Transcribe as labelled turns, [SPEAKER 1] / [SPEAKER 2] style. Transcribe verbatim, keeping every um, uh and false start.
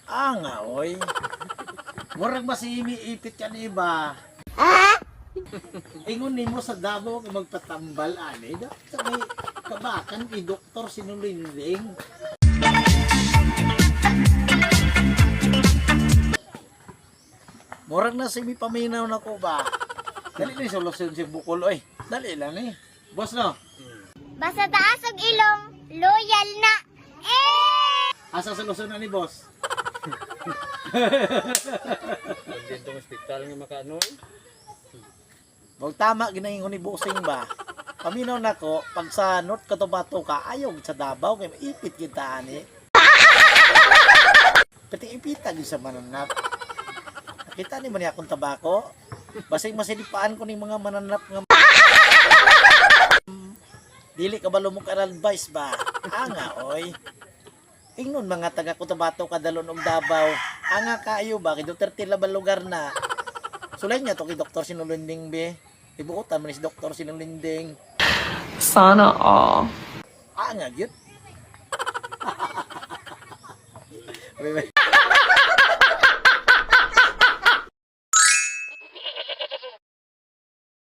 [SPEAKER 1] Ah nga, oy. Murag masimiipit yan iba. Ingon nimo sa Davao kung magpatambal ani. Dapat sa may kabakan kay Doktor Sinulinding. Murag na simi paminaw na ko ba? Dali ni solusyon si Bukol oy. Dali lang ni. Boss no.
[SPEAKER 2] Basta taas og ilong, loyal na. Eh!
[SPEAKER 1] Asa solusyon na ni boss?
[SPEAKER 3] Dito ng hospital nga makaano.
[SPEAKER 1] Wag tama ginaingon ni Busing ba? Paminaw na ko, pag sa North Cotabato ka, ayaw sa Davao, kaya maipit kita ani. Pati ipita din sa mananap. Nakita ni man akong tabako. Basig masilipaan ko ni mga mananap nga. Dili ka ba lumok advice ba? Anga oy. Ingnon mga taga Cotabato kadalon og Davao. Anga kaayo ba kay Duterte laban lugar na. Sulay niya to kay Doktor Sinulinding be. Ibuutan man si Doktor Sinulinding.
[SPEAKER 4] Sana all.
[SPEAKER 1] Ah, nga, gyud.